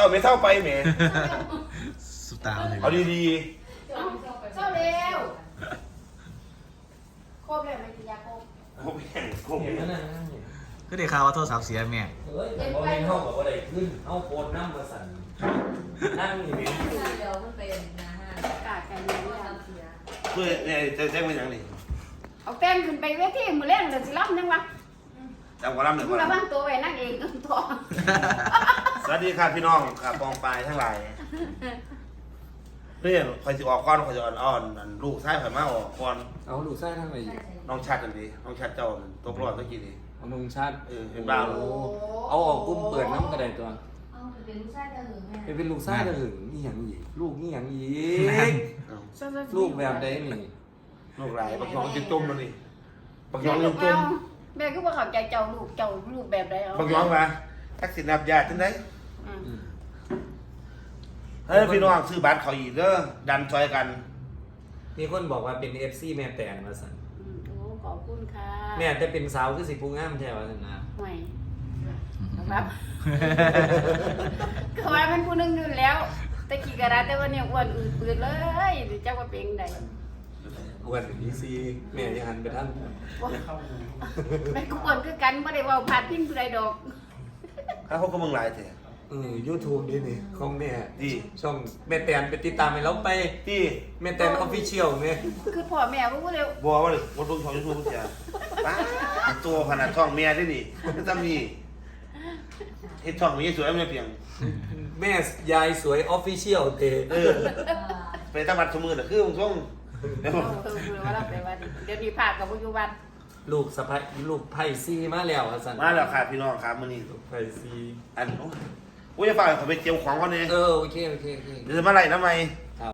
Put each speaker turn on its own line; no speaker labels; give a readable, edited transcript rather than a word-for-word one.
จ้าไม่เท่าไปแหม
สุดตาเลย
เอาดี
เจ้าเร็วโคบเลยมันกินยาโคบ
ๆผมแข่งผม
เห็น
แข่
แล้
ง
วนะ
ก็ได้ข่าวว่าโทรศัพท์เสียแม่
เฮ้ยแต่พอเห็นห้องบอกว่าได้ขึ้นเอาโคนน้ำมาสั่นนั่งอยู่นี่
เดี๋ยวมันเป็นนะฮะ
กาดกันเลย
ทำเสีย
เพื่อเนี่ยจะแจ้งเป็นอย่างนี้
เอาแป้งขึ้นไปเวทีมือเล่นเดี๋ยวสิรับยังวะ
จำกว่าล่ำหนึ่ง
มึ
ก่
ง
อน
ระวังตัวไว้นั่งเองตัว
สวัสดีครับพี่น้องครับปองปลายทั้งหลายเรื่องคอยจะออกก้อนคอยจะอ่อนๆลูกชายคอยมาออกก่อน
เอาลูกไส้ทั้งไหนอยู่
น้องชัดกันดีน้องชัดเจ้าตกรอบตะกี้นี้
เอานุ่งชาติ
เป็นบ้า
โอ้เอาออกกุ้มเปิดน้ำกระไดตัว
เอาเป็นลูกชายจะหึงแม่
เป็นลูกไส้จะหึงนี่อย่างอีกลูกนี่อย่างอีก
ลู
ลู
ก
กแบบใดนี่
ลูกหลายบักยองจิตตุ่มแล้วนี่บักยองจิตตุ่ม
แม่ก็บอกเขาใจเจ้าลูกแบบใดเอา
บักยองมาทักษิณนับญาติที่ไหนเฮ้ยพี่น้องซื้อบัตรเขาอีกเด้อดันซอยกัน
มีคนบอกว่าเป็น FC แม่แตนมาสั่น
โอ้ขอบคุณค่ะ
แม่แต่เป็นสาวคือสิผู้งามแท้ว่าสั่นนะ
ห่วยครับก็ว่ามันผู้นึงอยู่แล้วตะกี้กระดาษแต่ว่าเนี่ยอ้วนอืดปืดเลยเจ้าว่าเป็นได
อ้วนดีซีแม่ยังหันไปท่าน
แม่ก็อ้วนคือกันไม่ได้เว่าพาดพิงผู้ใดดอก
ถ้าเขาก็มึงหลายเถอะ
YouTube นี่นี่ของแม่
ดี
ช่องแม่แตนไปติดตามให้เราไป
ที่
แม่แตนออฟฟิเชียลเนี่ย
คือพ่อแม่ว่าเร็ว
บัวว่าเลยวันรุ่งช่องยูทูบเสียป้าตัวขนาดช่องเมียได้ดิไม่ต้องมีเฮ็ดช่องมีสวยไม่เพียง
แม่ยายสวยออฟฟิเชียลเต
ไปตั้งบัตรสมือน่ะคือมึงช่วงเดี๋ยว
ว่าเราไปว่าเดี๋ยวนี้พาดกับปัจจุบัน
ลูกสะพ้ายลูกไผ่ซีมาแล้วอะสัน
มาแล้วค่ะพี่น้องครับมื้อนี้
ไผ่ซี
อันโอ้ยจะฝากเขาไปเจียวของก่อนเนี่ย
โอเค
เดี๋ยวจะมาไล่ทำไม